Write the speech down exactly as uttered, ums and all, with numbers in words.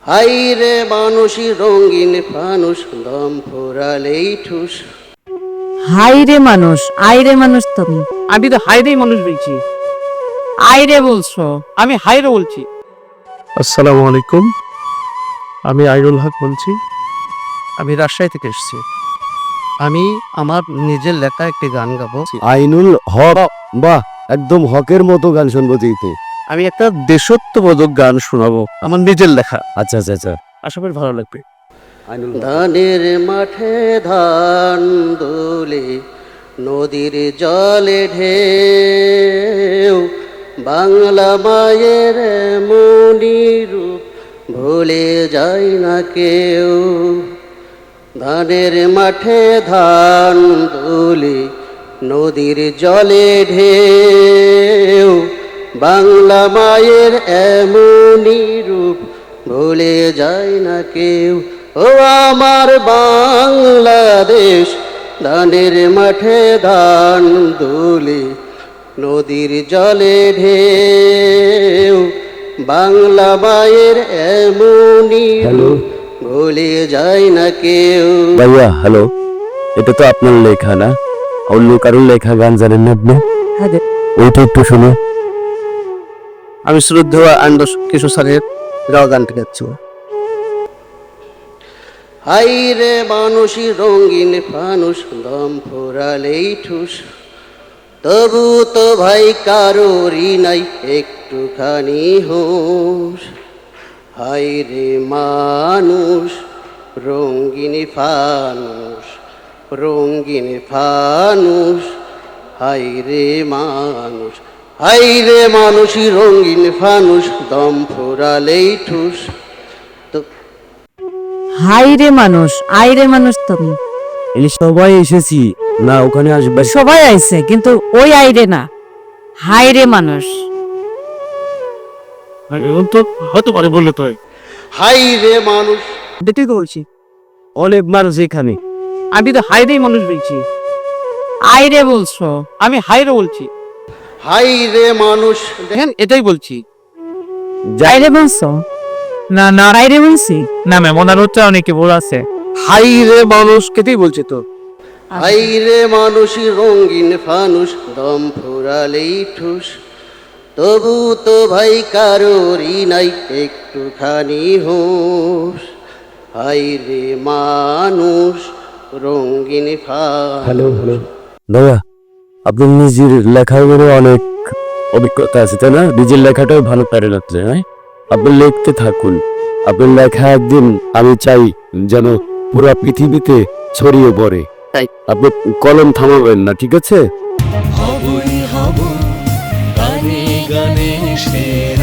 High রে মানুষই রঙিন ফানুষ দম ফুরালেই ঠুস। হাই রে মানুষ, আই রে মানুষ তুমি। আমি তো হাইরেই মানুষ বলছি। আই রে বলছো। আমি হাইরে বলছি। আসসালামু আলাইকুম, আমি আইনুল হক বলছি। আমি রাজশাহী থেকে এসেছি। আমি আমার নিজের লেখা একটি গান গাবো। আইনুল হক, বাহ, একদম হকের মতো গান শুনবো তো। আমি একটা দেশত্ববোধক গান শোনাবো, আমার নিজের লেখা। আচ্ছা আচ্ছা আচ্ছা, আশা করি ভালো লাগবে। আইনুল ধানের মাঠে ধান দোলে, নদীর জলে ঢেউ, বাংলা মায়ের মনি রূপ ভুলে যায় না কেউ। ধানের মাঠে ধান দোলে, নদীর জলে ঢেউ, বাংলা মায়ের এমনি রূপ ভুলে যায় না কেউ। ও আমার বাংলাদেশ, ধানের মাঠে ধান দোলে, নদীর জলে ঢেউ, বাংলা মায়ের এমনি রূপ ভুলে যায় না কেউ। ভাইয়া হ্যালো, এটা তো আপনার লেখা না, অন্য কারোর লেখা গান জানেন না আপনি? হ্যাঁ রে। ওইটা একটু শুনে। আমি শ্রদ্ধেয় আন্দাজ কিশোর স্যারের গাওয়া গানটা গাচ্ছি। হাই রে মানুষই রঙিন ফানুষ দম ফুরালেই ঠুস। তবু তো ভাই কারোরই নাই একটুখানি হুঁশ। হাই রে মানুষ রঙিন ফানুষ, রঙিন ফানুষ, হাই রে মানুষ, হাই রে মানুষই রঙিন ফানুষ দম ফুরালেই ঠুস। হাই রে মানুষ, আই রে মানুষ তুমি। এই সবাই এসেছি না, ওখানে আসবে। সবাই আইছে কিন্তু ওই আই রে না, হাই রে মানুষ। তো হয়তো পারে বললে তো হাই রে মানুষ, দেখতেই তো বলছি। অনেক মানুষ এখানে। আমি তো হাইরেই মানুষ বলছি। আই রে বলছো। আমি হাইরে বলছি। হাই রে মানুষ, দেখেন এটাই বলছি। আই রে বলছো না, না আই রে বলছি। না ম্যাম, ওনার হচ্ছে অনেকে বল আছে। হাই রে মানুষ কেটেই বলছে তো। হাই রে মানুষই রঙিন ফানুষ দম ফুরালেই ঠুস। তবু তো ভাই কারোরই নাই একটুখানি হুঁশ। হাই রে মানুষ রঙিন ফানুষ। হ্যালো হ্যালো দাদা, আপনার নিজের লেখার উপরে অনেক অভিজ্ঞতা আছে তাই না? নিজের লেখাটাও ভালো পারে লাগছে। হ্যাঁ, আপনি লিখতে থাকুন। আপনার লেখা একদিন আমি চাই যেন পুরো পৃথিবীতে ছড়িয়ে পড়ে। তাই। আপনি কলম থামাবেন না, ঠিক আছে? হবই হব গানে গানে সে